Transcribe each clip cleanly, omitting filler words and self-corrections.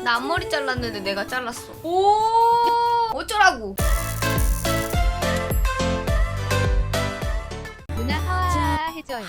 나 앞머리 잘랐는데 내가 잘랐어. 오 어쩌라고. 누나 하와 해줘요.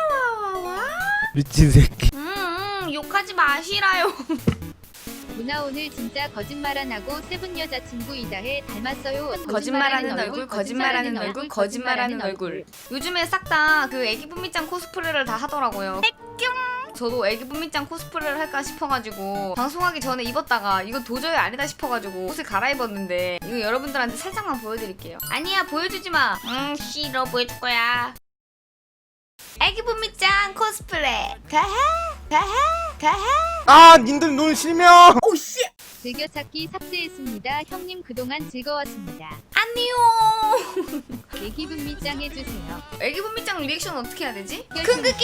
미친 새끼. 욕하지 마시라요. 누나 오늘 진짜 거짓말 안 하고 세븐 여자친구 이다혜 닮았어요. 거짓말하는 얼굴, 거짓말하는 얼굴, 거짓말하는 얼굴. 요즘에 싹 다 그 애기 분미짱 코스프레를 다 하더라고요. 저도 애기 분미짱 코스프레를 할까 싶어가지고 방송하기 전에 입었다가 이거 도저히 아니다 싶어가지고 옷을 갈아입었는데 이거 여러분들한테 살짝만 보여드릴게요. 아니야 보여주지 마. 싫어 보여줄 거야. 애기 분미짱 코스프레. 가해 가해 가해. 아 님들 눈 실명. 오씨. 즐겨찾기 삭제했습니다. 형님 그동안 즐거웠습니다. 안녕. 애기 분미짱 해주세요. 애기 분미짱 리액션 어떻게 해야 되지? 큰 크기.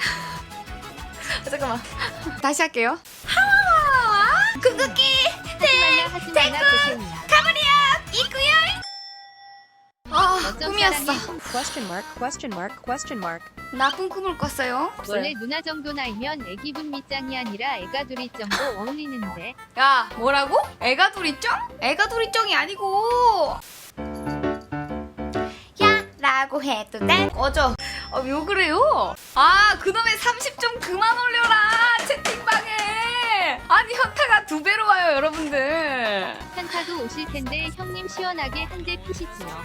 잠깐만. 다시 할게요. 하와. 큰 크기. 하지마나 고생이야. 가버려. 이구열. 아 어쩜 꿈이었어. 사랑해. 나 꿈을 꿨어요. 원래 누나 정도 나이면 애기 분미짱이 아니라 애가 둘이 정도 어울리는데. 야 뭐라고? 애가 둘이쩡? 애가 둘이쩡이 아니고 야 라고 해도 돼? 꺼져. 왜 그래요? 아 그놈의 30 좀 그만 올려라 채팅방에. 아니 현타가 2배로 와요 여러분들. 한타도 오실 텐데 형님 시원하게 한 대 피시지요.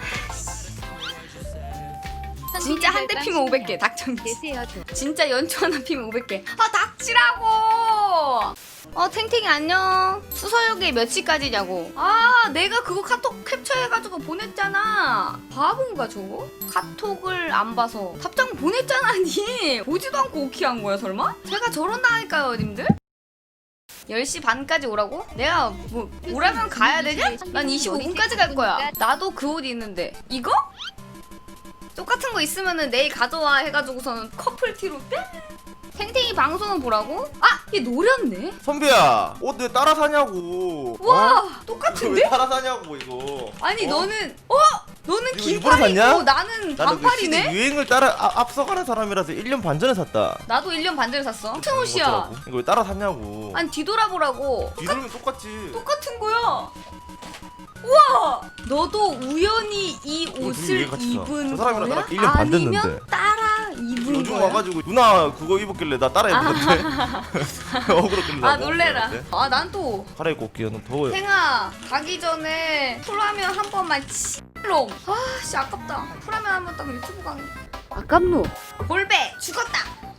진짜 한 대 피면 500개 닥쳐. 계세요 좀. 진짜 연초 하나 피면 500개. 아 닥치라고. 탱탱이 안녕. 수서역에 몇 시까지냐고. 아 내가 그거 카톡 캡처해가지고 보냈잖아. 바본가 저거? 카톡을 안 봐서 답장 보냈잖아 니. 보지도 않고 오키한 거야 설마? 제가 저런다니까요 님들. 10시 반까지 오라고? 내가 뭐 오라면 가야 되냐? 난 25분까지 갈 거야. 나도 그 옷 있는데 이거? 똑같은 거 있으면은 내일 가져와 해가지고서는 커플티로 뿅! 탱탱이 방송은 보라고? 아! 얘 노렸네? 선배야 옷 왜 따라 사냐고. 와! 왜 똑같은데? 따라 사냐고 이거. 아니 너는 너는 이거 긴 일부러 팔이고 샀냐? 나는 나는 그 시대 반팔이네? 유행을 따라 앞서가는 사람이라서 1년 반 전에 샀다. 나도 1년 반 전에 샀어. 같은 옷이야. 어쩌라고? 이거 왜 따라 샀냐고. 아니 뒤돌아보라고. 뒤돌면 똑같지. 똑같은 거야. 우와! 너도 우연히 이 옷을 이거 같이 사. 입은 저 사람이랑 거야? 나랑 1년 반 됐는데. 아니면 따라 입은 요즘 거야? 와가지고 누나 그거 입었길래 나 따라 입었는데. 억울했길래. 아 놀래라. 아 난 또 갈아입고 올게요. 너무 더워요. 생아 가기 전에 풀라면 한 번만 치롱. 아씨 아깝다. 풀라면 한 번 딱 유튜브 강의. 아깝노. 볼배 죽었다.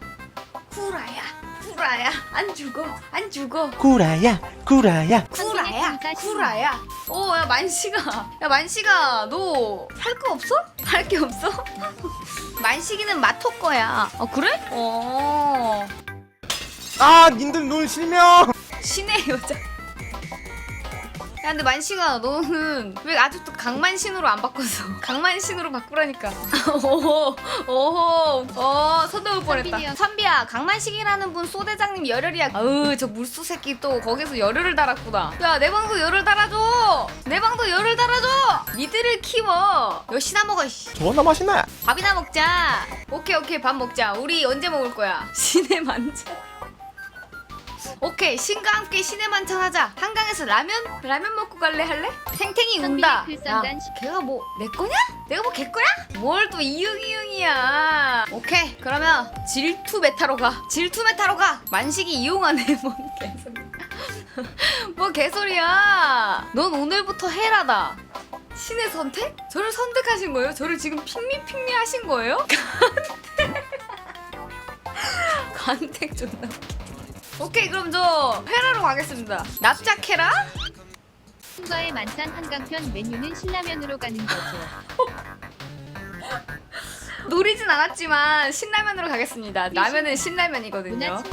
구라야 안 죽어 안 죽어. 구라야. 구라야 감사합니다. 구라야. 야 만식아 너 할 거 없어? 할 게 없어? 만식이는 마토 거야. 그래? 아 님들 눈 실명. 신의 여자. 야 근데 만식아 너는 왜 아직도 강만신으로 안 바꿨어? 강만신으로 바꾸라니까. 서둘 뻔했다. 선비야 강만식이라는 분 소대장님 열혈이야. 아으 저 물소 새끼 또 거기서 열혈을 달았구나. 야 내 방도 열혈 달아줘. 내 방도 열혈 달아줘. 니들을 키워. 몇시나 먹어. 존나 맛있네. 밥이나 먹자. 오케이 밥 먹자. 우리 언제 먹을 거야? 신의 만찬. 오케이 신과 함께 신의 만찬 하자. 한강에서 라면 먹고 갈래 할래? 탱탱이 운다. 야 걔가 뭐 내 거냐? 내가 뭐 걔 거야? 뭘 또 이응이응이야. 오케이 그러면 질투 메타로 가. 만식이 이용하네. 뭔 개소리야. 뭐 개소리야. 넌 오늘부터 헤라다. 신의 선택? 저를 선택하신 거예요? 저를 지금 핑미 하신 거예요? 간택 존나. 오케이 그럼 저 헤라로 가겠습니다. 납작 헤라? 친구와의 만찬 한강편 메뉴는 신라면으로 가는 거죠. 노리진 않았지만 신라면으로 가겠습니다. 라면은 신라면이거든요.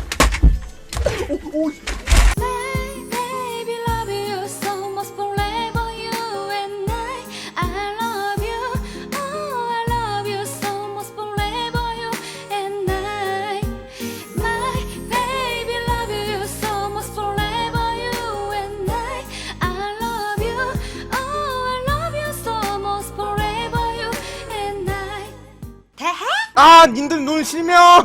아 님들 눈 실명.